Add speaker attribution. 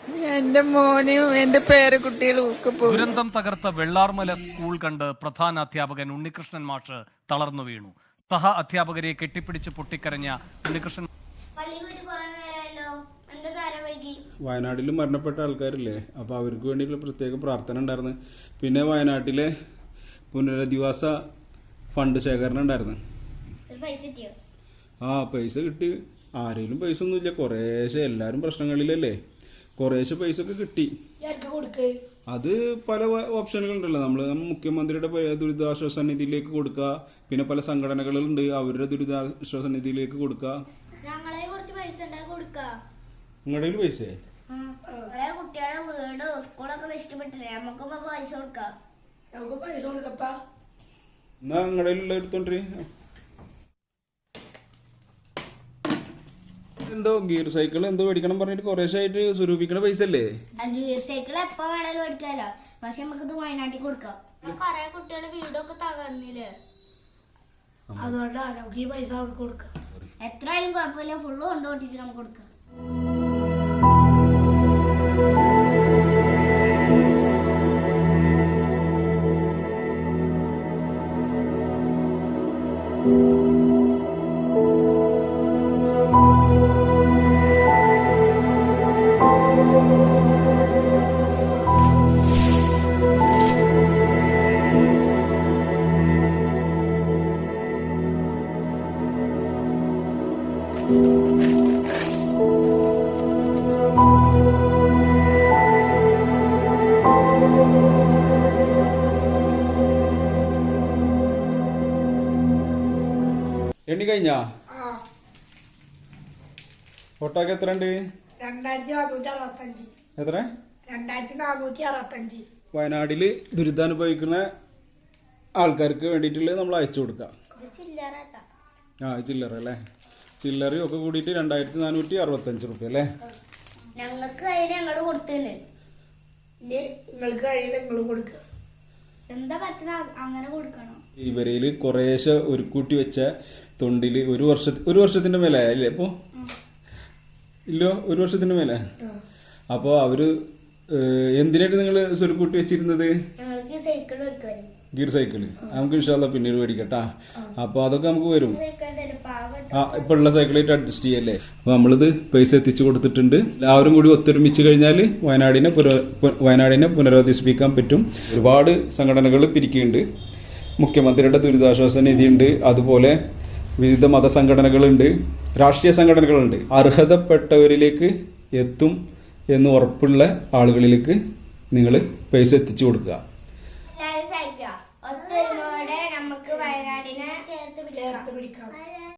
Speaker 1: എന്റെ മോനും എന്റെ പേരക്കുട്ടികളും ഒക്കെ പോകും.
Speaker 2: ദുരന്തം തകർത്ത വെള്ളാർമല സ്കൂൾ കണ്ട് പ്രധാന അധ്യാപകൻ ഉണ്ണികൃഷ്ണൻ മാഷ് തളർന്നു വീണു. സഹ അധ്യാപകരെ കെട്ടിപ്പിടിച്ച് പൊട്ടിക്കരഞ്ഞ ഉണ്ണികൃഷ്ണൻ
Speaker 3: വയനാട്ടിൽ മരണപ്പെട്ട ആൾക്കാരില്ലേ, അപ്പോൾ അവർക്ക് വേണ്ടിയുള്ള പ്രത്യേക പ്രാർത്ഥന ഉണ്ടായിരുന്നു. പിന്നെ വയനാട്ടിലെ പുനരധിവാസ ഫണ്ട് ശേഖരണം ഉണ്ടായിരുന്നു. പൈസ കിട്ടി. ആരെങ്കിലും പൈസ ഒന്നുമില്ല, കുറേശ്ശെ എല്ലാവരും പ്രശ്നങ്ങളിലല്ലേ, കുറേശ്ശെ പൈസ ഒക്കെ കിട്ടി. അത് പല ഓപ്ഷനുകളുണ്ടല്ലോ. നമ്മൾ മുഖ്യമന്ത്രിയുടെ ദുരിതാശ്വാസ നിധിയിലേക്ക് കൊടുക്കുക, പിന്നെ പല സംഘടനകളുണ്ട് അവരുടെ ദുരിതാശ്വാസ നിധിയിലേക്ക് കൊടുക്കുക. നിങ്ങളുടെ പൈസ
Speaker 4: കുട്ടികളുടെ വീട് സ്കൂളൊക്കെ നഷ്ടപ്പെട്ടില്ലേ, നമുക്ക് പൈസ കൊടുക്കാം.
Speaker 3: എന്നാ നിങ്ങളുടെ എടുത്തോണ്ടി. എന്തോ ഗിയർ സൈക്കിൾ എന്തോ മേടിക്കണം പറഞ്ഞിട്ട് കുറേശ്ശായിട്ട് സ്വരൂപിക്കണ പൈസ അല്ലേ?
Speaker 4: ഗിയർ സൈക്കിൾ എപ്പോ വേണേലും മേടിക്കാലോ, പക്ഷെ നമുക്കിത് വയനാട്ടിൽ കൊടുക്കാം. കൊറേ കുട്ടികളുടെ വീടൊക്കെ തകർന്നില്ലേ,
Speaker 5: അതുകൊണ്ടാണ് നമുക്ക് ഈ പൈസ കൊടുക്കാം.
Speaker 4: എത്രയായാലും കുഴപ്പമില്ല, ഫുള്ള് കൊണ്ടുപോട്ടിട്ട് നമുക്ക് കൊടുക്കാം.
Speaker 3: എണ്ണി കഴിഞ്ഞാ? ഒട്ടാക്ക് എത്ര ഉണ്ട്?
Speaker 5: 2465.
Speaker 3: എത്ര?
Speaker 5: 2465.
Speaker 3: വയനാട്ടില് ദുരിതാനുഭവിക്കുന്ന ആൾക്കാർക്ക് വേണ്ടിയിട്ടുള്ളത് നമ്മൾ അയച്ചു കൊടുക്കാം. ചില്ലറ അല്ലേ? ചില്ലറയും ഒക്കെ കൂടിയിട്ട് 2465 റുപ്യ അല്ലേ?
Speaker 4: ഞങ്ങൾക്ക് അതിന് ഞങ്ങള് കൊടുത്തല്ലേ,
Speaker 5: നിങ്ങൾക്ക് കഴിയുന്ന നിങ്ങൾ കൊടുക്കുക.
Speaker 4: എന്താ പറ്റുന്ന അങ്ങനെ കൊടുക്കണം.
Speaker 3: ഇവരയില് കുറേശ്ശെ ഒരു കൂട്ടി വെച്ച തൊണ്ടില് ഒരു വർഷത്തിന്റെ മേലെ അല്ലേ? അപ്പൊ ഇല്ലോ, ഒരു വർഷത്തിന്റെ മേലെ. അപ്പൊ അവര് എന്തിനായിട്ട് നിങ്ങൾ സ്വരുക്കൂട്ടി വെച്ചിരുന്നത്?
Speaker 4: ഞങ്ങൾക്ക് സൈക്കിൾ എടുക്കാൻ.
Speaker 3: ഗിയർ സൈക്കിള് നമുക്ക് ഇൻഷാല്ലാ പിന്നീട് മേടിക്കട്ടാ. അപ്പൊ അതൊക്കെ നമുക്ക് വരും. ഇപ്പൊ ഉള്ള സൈക്കിളായിട്ട് അഡ്ജസ്റ്റ് ചെയ്യല്ലേ. അപ്പൊ നമ്മളിത് പൈസ എത്തിച്ചു കൊടുത്തിട്ടുണ്ട്. എല്ലാവരും കൂടി ഒത്തൊരുമിച്ച് കഴിഞ്ഞാൽ വയനാടിനെ പുനരധിവസിപ്പിക്കാൻ പറ്റും. ഒരുപാട് സംഘടനകൾ പിരിക്കുന്നുണ്ട്. മുഖ്യമന്ത്രിയുടെ ദുരിതാശ്വാസ നിധിയുണ്ട്, അതുപോലെ വിവിധ മതസംഘടനകളുണ്ട്, രാഷ്ട്രീയ സംഘടനകളുണ്ട്. അർഹതപ്പെട്ടവരിലേക്ക് എത്തും എന്ന് ഉറപ്പുള്ള ആളുകളിലേക്ക് നിങ്ങൾ പൈസ എത്തിച്ചു കൊടുക്കുക.
Speaker 4: ഒത്തൊരുമയോടെ നമുക്ക് വയനാടിനെ ചേർത്ത് പിടിക്കാം.